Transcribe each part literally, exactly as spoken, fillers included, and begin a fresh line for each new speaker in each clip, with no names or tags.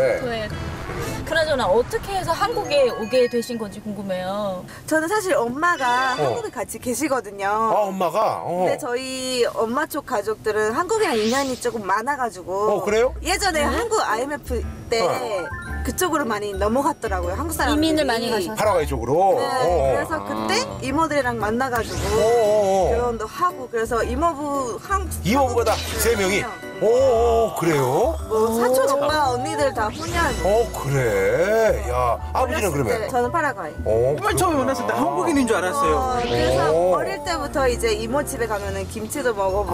네.
네. 그나저나 어떻게 해서 한국에 오게 되신 건지 궁금해요.
저는 사실 엄마가
어.
한국에 같이 계시거든요.
아, 엄마가? 어.
근데 저희 엄마 쪽 가족들은 한국이랑 인연이 조금 많아가지고.
어, 그래요?
예전에 한국 아이엠에프 때
어.
그쪽으로 많이 넘어갔더라고요. 한국 사람들이.
이민을 많이 가셔서.
파라과이 쪽으로?
네,
어.
그래서 그때 이모들이랑 만나가지고
어.
결혼도 하고 그래서 이모부 한
이모부가 다 세 명이? 오, 오, 그래요?
뭐 사촌 오빠 언니들 다 훈련.
어, 그래. 야, 아버지는
어렸을 때
그러면?
저는 파라과이.
어,
맨 처음에 만났을 때 한국인인 줄 알았어요.
어, 그래서
오.
어릴 때부터 이제 이모 집에 가면은 김치도 먹어보고.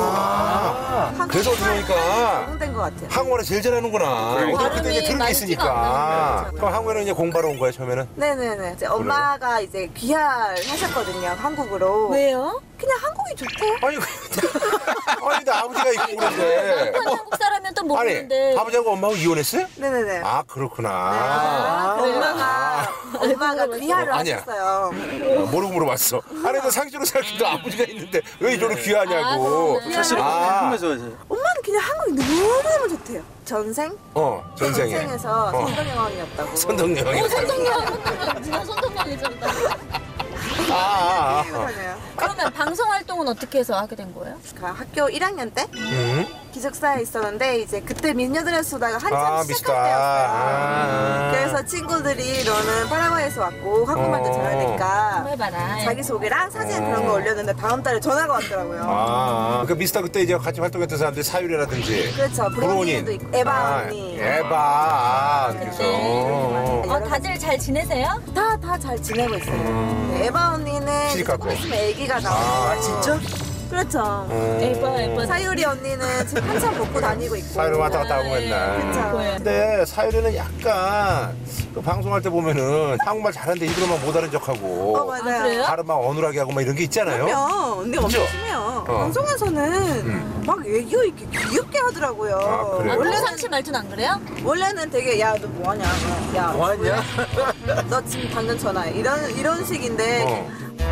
아,
한국
그래서 어떻게 보니까
적응된 것 같아요.
한국말을 제일 잘하는구나.
그러니까.
어차피 그때 이제
발음이
들은 게
많지가
있으니까.
않아요.
그럼 한국에는 이제 공부하러 온 거예요, 처음에는?
네네네. 이제 엄마가 이제 귀화를 하셨거든요, 한국으로.
왜요?
그냥 한국이 좋대요.
아니, 아니, 근데 아버지가 있고 그런데.
한국 사람이면 또
아니,
모르는데.
아버지하고 엄마하고 이혼했어요?
네네네.
아, 그렇구나.
아,
그래요?
엄마가, 엄마가 귀화를
아니야.
하셨어요.
어, 모르고 물어봤어. 아니, 너 상식으로 생각해도 아버지가 있는데 왜 이쪽으로 귀하냐고.
아,
사실
아.
궁금해서
엄마는 그냥 한국이 너무너무 좋대요. 전생?
어, 전생에.
전생에서
어.
선덕여왕이었다고.
선덕여왕이.
어, 선동명. 누가 선동명이잖아.
아, 아, 아.
그러네요.
그러면 방송 활동은 어떻게 해서 하게 된 거예요?
그 학교 일 학년 때
음?
기숙사에 있었는데 이제 그때 미녀들의 수다가 한참
아,
시작할
미스터.
때였어요.
아.
그래서 친구들이 너는 파라과이에서 왔고 한국말도
어.
잘하니까
한번 해봐라.
자기소개랑 사진
어.
그런 거 올렸는데 다음 달에 전화가 왔더라고요.
아, 그 미스터 그때 이제 같이 활동했던 사람들이 사유리라든지.
그렇죠. 브로니도 있고 에바
아,
언니.
에바. 아, 그래서.
네.
어, 다들 잘 지내세요?
다 다 잘 지내고 있어요. 네, 에바 언니는
시집 갔고.
조금 있으면 아기가 나와요.
아,
진짜?
그렇죠.
에바, 에바.
사유리 언니는 지금 한참 먹고 다니고 있고.
사유리 왔다 갔다 하고 맨날.
그쵸.
근데 사유리는 약간 그 방송할 때 보면은 한국말 잘하는데 일부러만 못 알은 척하고.
어 맞아요.
아, 그래요?
발음 막 어눌하게 하고 막 이런 게 있잖아요.
그럼요. 근데 엄청
그죠?
심해요.
어.
방송에서는 막 애교 있게 귀엽게 하더라고요.
아, 그래요?
아,
원래는
평상시 말투는 안 그래요?
원래는 되게 야 너 뭐하냐, 야
뭐하냐?
너 지금 당근 전화해 이런 이런 식인데
어.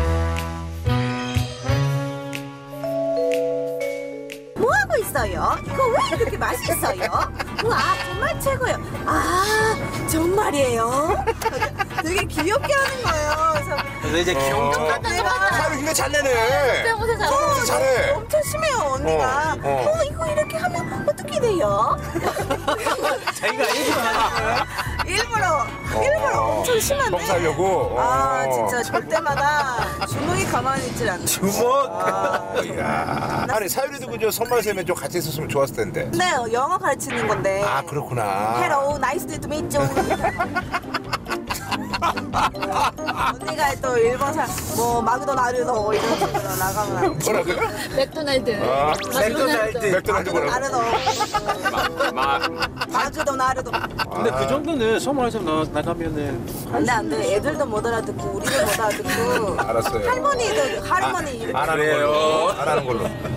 뭐 하고 있어요? 이거 왜 이렇게 맛있어요? 와 정말 최고예요. 아 정말이에요? 되게 귀엽게 하는 거예요. 그래서
그래서 이제 귀여운
어.
내가
사유리 근데 잘 내네.
빼고서 잘
성대모사 잘해.
엄청 심해요 언니가.
어, 어.
어 이거 이렇게 하면 어떻게 돼요?
자기가 얘기만 하는 거야.
일부러 일부러 엄청 심한데.
뻥 살려고.
아
어.
진짜 절 때마다 주먹이 가만히 있질 않네.
주먹.
아,
이야. 아니 사유리도 그저 선발쌤에 좀 같이 있었으면 좋았을 텐데.
네 영어 가르치는 건데.
아 그렇구나.
Hello, nice to meet you. 언니가 또 일본 사람 뭐 마크도나르도 이런 식으로 나가면
뭐라고요?
맥도날드.
아,
맥도날드.
맥도날드 뭐라고?
마크도나르도
마.
마크도나르도.
근데 그 정도는 소문에서 나- 나가면은
안돼 안돼 애들도 못 알아듣고 우리도 못 알아듣고
알았어요.
할머니도 할머니 이렇게
안 하는 걸로. 안 하는 걸로.